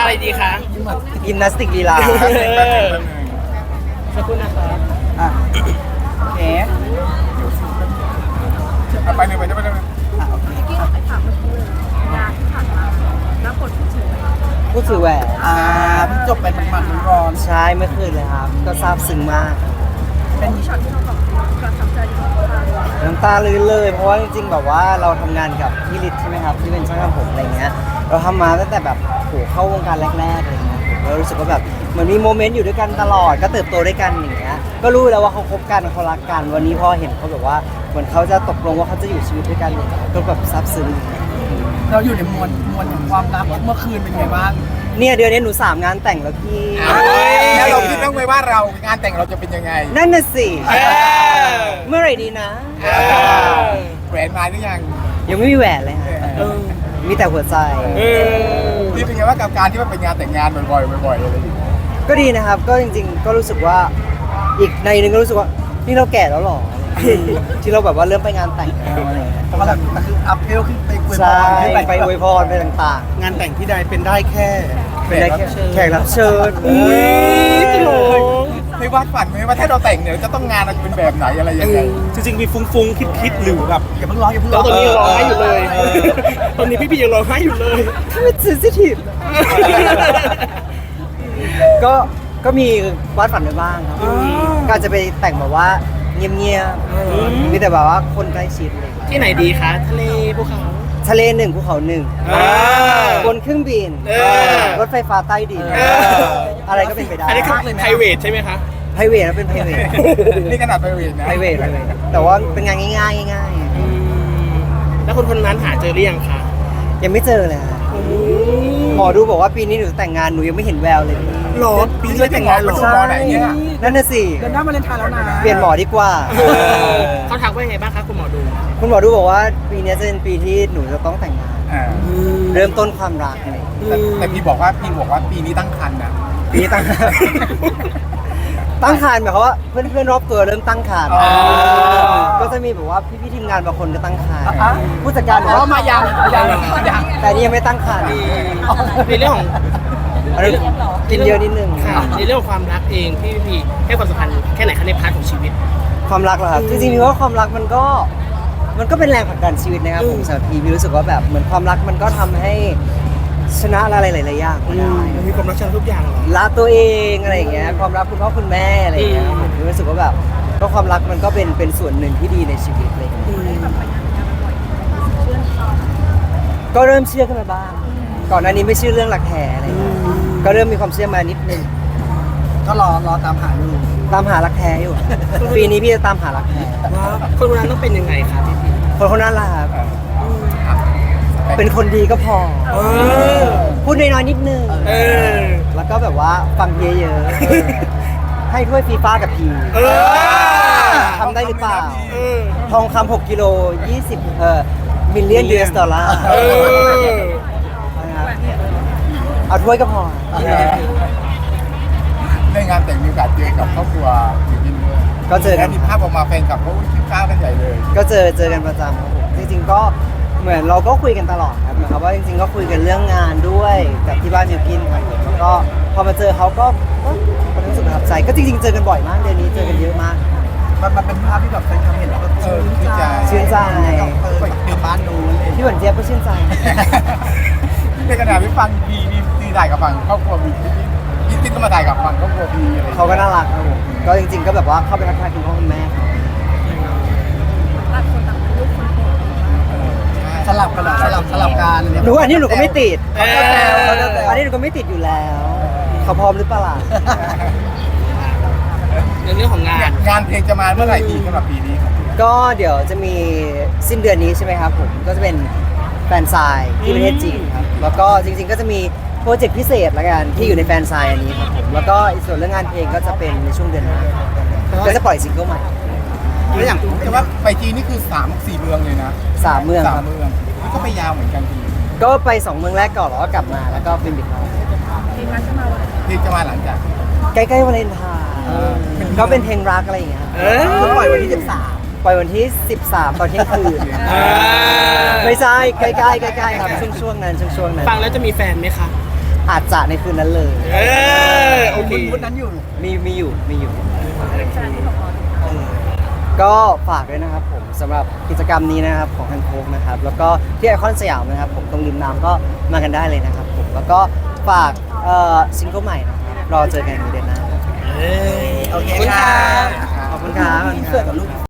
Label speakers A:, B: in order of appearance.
A: อะไรดีคะ
B: ยิมนาสติกลีลา
A: สักครู่นะครับ
B: อ่ะโอเค
C: ไปหนึ่งไปหนึ่งไปหนึ่ง
B: อ่ะโอเค
D: ที่เราไปถามเมื่อกี้เลยงานที่ผ่านมาแล้วผลที่เฉย
B: พูดถือแหวน
E: เพิ่งจบไปมันร้อน
B: ใช่เมื่อคืนเลยครับ ก็ซาบซึ้งมาก
D: เป็นที่ช็อตที่เราแบบประทับใจที่เราทำ
B: น้ำตาลื้นเลย เพราะว่าจริงๆแบบว่าเราทำงานกับพี่ฤทธิ์ใช่ไหมครับที่เป็นช่างทำผมอะไรเงี้ยเราทำมาตั้งแต่แบบโหเข้าวงการแรกๆอะไรเงี้ยผมเรารู้สึกว่าแบบเหมือนมีโมเมนต์อยู่ด้วยกันตลอดก็เติบโตด้วยกันอย่างเงี้ยก็รู้แล้วว่าเขาคบกันเขารักกันวันนี้พอเห็นเขาแบบว่าเหมือนเขาจะตกลงว่าเขาจะอยู่ชีวิตด้วยกันเนี่ยก็แบบซาบซึ้ง
E: เราอยู่ในมวลแห่งความรักเมื่อคืนเป็นไงบ้าง
B: เนี่ยเดือนนี้หนู3 งานแต่งแล้วพี่
C: แล้วเราคิดบ้างไหมว่าเรางานแต่งเราจะเป็นยังไง
B: นั่นน่ะสิเมื่อไหร่ดีนะ
C: แหวนมาหรือยัง
B: ยังไม่มีแหวนเลยฮะมีแต่หัวใจ
C: นี่เป็นไงว่ากับการที่มันเป็นงานแต่งงานบ่อยๆบ่อยๆอะไรอย่างเงี้ย
B: ก็ดีนะครับ ก็จริงๆ ก็รู้สึกว่าอีกในหนึงก็รู้สึกว่านี่เราแก่แล้วหรอ ที่เราแบบว่าเริ่มไปงานแต่งแล้วอะไรอย่างเงี้ย
E: เพราะว่ามันคืออัพเวลขึ้นไปคุยบอ
B: ใช่
E: ลขึ้น
B: ไปอวยพรไปต่าง
E: งานแต่งที่ใดเป็นได้แค่
B: ๆเป็นได้แค่แขกรับเชิญ
C: เคยวาดฝันไหมว่าถ้าเราแต่งเนี่ยจะต้องงานเราจะเป็นแบบไหนอะไรยังไง
E: จริงๆมีฟุ้งๆคิดหรือแบบอย่าเพิ่งร้องอย่าเพิ่ง
A: แล้
E: ร้
A: ว
E: อง
A: ตอนนี้ยังร้องไห้อยู่เลย ตอนนี้พี่ยังร้องไห้อยู่เลย
B: ถ้าเป็นเซนซิทีฟก็มีวาดฝันไว้บ้างครับก็อาจจะไปแต่งแบบว่าเงียบๆมีแต่แบบว่าคนใกล้ชิดเลย
A: ที่ไหนดีคะทะเลภูเขา
B: ทะเลหนึ่งภูเขาหนึ่ง บนเครื่องบิน รถไฟฟ้าใต้ดิน อะไรก็เป็นไปได้
A: อันนี้คือ private ใช่ไหมคะ
B: ไพรเวทนะเป็นไพรเวท
C: นี่ขนาดไปเวรนะ
B: ไพรเวทแต่ว่าเป็นงานง่ายๆง่าย
A: แล้วคนนั้นหาเจอหรือยังคะ
B: ๆยังไม่เจอเลยฮะหมอดูบอกว่าปีนี้หนูจะแต่งงานหนูยังไม่เห็นแววเลย
A: หรอปีนี้แต่งงานหรอ
C: ใช่ไหนเนี่ย
B: นั่นน่ะสิ
E: เดินหน้ามาเลนไทน์แล้วนะ
B: เปลี่ยนหมอดีกว่า
A: เขาทักว่ายังไงบ้างคะคุณหมอดู
B: คุณหมอดูบอกว่าปีนี้จะเป็นปีที่หนูจะต้องแต่งงาน
C: อ่า
B: เริ่มต้นความรักอะไรอย่างเลย
C: แต่พี่บอกว่าปีนี้ตั้งครรภ์นะ
B: ปีนี้ตั้ง ตั้งครรภ์หมายความว่าเพื่อนๆรอบตัวเริ่มตั้งครรภ์
C: อ๋อ
B: ก็จะมีแบบว่าพี่ๆทีมงานบางคนก็ตั้งครรภ์
E: อ่ะ
B: ผู้จัดการบอกว่า
E: มายัง
B: แต่นี่ยังไม่ตั้งครรภ์
A: ในเรื่องของ
B: อะไรกินเยอะนิดนึง
A: ค่ะในเรื่องของความรักเองพี่ให้ความสำคัญแค่ไหนคะในพาร์ทของชีวิต
B: ความรักเหรอครับจริงๆพี่ว่าความรักมันก็เป็นแรงผลักดันชีวิตนะครับผมสำหรับพี่รู้สึกว่าแบบเหมือนความรักมันก็ทำให้ชนะอะไรหลายๆอย่างก็ได้
A: มันมีความรักชนะทุกอย่างเหรอ
B: รักตัวเองอะไรอย่างเงี้ยความรักคุณพ่อคุณแม่อะไรอย่างเงี้ยผมรู้สึกว่าแบบก็ความรักมันก็เป็นส่วนหนึ่งที่ดีในชีวิตเลยก็เริ่มเชื่อขึ้นมาบ้างก่อนหน้านี้ไม่เชื่อเรื่องหลักแท้อะไรอย่างเงี้ยก็เริ่มมีความเชื่อมานิดนึง
E: ก็รอตามหาอยู่
B: ตามหารักแท้อยู่ ปีนี้พี่จะตามหารักแท้
A: ว่าคนคนนั้นต้องเป็นยังไงคะพี่
B: คนคนนั้นล่ะครับเป็นคนดีก็พอ พูดน้อยๆนิดนึง
A: เออ
B: แล้วก็แบบว่าฟังเยอะๆให้ถ้วยฟีฟ้ากับพีทำได้หรือเปล่า ทองคำ6 กิโล 20มิลเลียนUS ดอลลาร์นะครับเอาถ้วยก็พอ
C: ในงานแต่งมีโอกาสเจอกับครอบครัวจริงๆด้วย
B: ก็เจอกัน
C: แล้วมีภาพออกมาแฟนกับเขาคิ้วข้าวกันใหญ่เลย
B: ก็เจอกันประจำครับผมจริงๆก็เหมือนเราก็คุยกันตลอดครับนะครับว่าจริงๆก็คุยกันเรื่องงานด้วยกับที่บ้านมิวกินครับผมแล้วก็พอมาเจอเขาก็รู้สึกประทับใจก็จริงๆเจอกันบ่อยมากเดือนนี้เจอกันเยอะมาก
E: มันเป็นภาพที่แบบแฟนคลับเห็นแล้วก็ชื่นใจ
B: ชื่นใจ
E: กลับบ้านนู้นเลย
B: พี่หวนเจี๊ยบก็ชื่นใจ
C: ในขณะที่ฟังพีถ่ายกับฟังครอบครัวพีพี่ติ๊กก็มาถ่ายกับฟังครอบครัวพีอะไร
B: เขาก็น่ารักครับผมก็จริงๆก็แบบว่าเข้าไปทักทายคุณพ่อคุณแม่เขา
D: ต่างคนต่างเป็นลูกคนโต
E: สลับกันเหรอสลับกันเนี่ย
B: หนูอันนี้หนูก็ไม่ติด
E: เขาจะแซว
B: อันนี้หนูก็ไม่ติดอยู่แล้วเขาพร้อมหรือเปล่าล่ะ
A: ในเรื่องของงาน
C: งานเพลงจะมาเมื่อไหร่ดีสำหรับปีนี้ครับ
B: ก็เดี๋ยวจะมีสิ้นเดือนนี้ใช่ไหมครับผมก็จะเป็นแฟนไซน์ที่ประเทศจีนครับแล้วก็จริงๆก็จะมีโปรเจกต์พิเศษละกันที่อยู่ในแฟนไซน์อันนี้ครับผมแล้วก็ส่วนเรื่องงานเพลงก็จะเป็นในช่วงเดือนหน้าก็จะปล่อยซิงเกิลใหม่
C: แล้วอย่างแต่ว่าไปจีนนี่คือ3-4เมืองเลยนะ
B: 3 เมืองครับ
C: 3 เมืองนี่ก็ไปยาวเหมือนกันที
B: ก็ไป 2 เมืองแรกก่อนแล้วก็กลับมาแล้วก็เป็นบิ๊กเฮาส์
D: เพลงนั้นจะมาวันไหน
C: เพลงจะมาหลังจาก
B: ใกล้ๆวาเลนไทน์ก็เป็นเพลงรักอะไรอย่างเงี้ยครับ
E: คือปล่อยวันที่
B: ปล่อยวันที่ 13 ตอนเที่ยงคืนไม่ใช่ใกล้ๆครับช่วงๆนั้น
A: ฟังแล้วจะมีแฟนไหมคะ
B: อาจจะในคืนนั้นเลย
A: โอเค
E: วุ้นนั้นอยู่
B: มีอยู่
D: เป็นแฟนที่ของเรา
B: ก็ฝากด้วยนะครับผมสำหรับกิจกรรมนี้นะครับของฮันโคกนะครับแล้วก็ที่ไอคอนสยามนะครับผมตรงริมน้ำก็มากันได้เลยนะครับผมแล้วก็ฝากซิงเกิลใหม่นะครับรอเจอกันในเดือนหน้าครับ
A: โอเค
B: ขอบคุณ
A: ค่ะ
B: ขอบคุณครับ
E: อินเสิร์ตกับลูก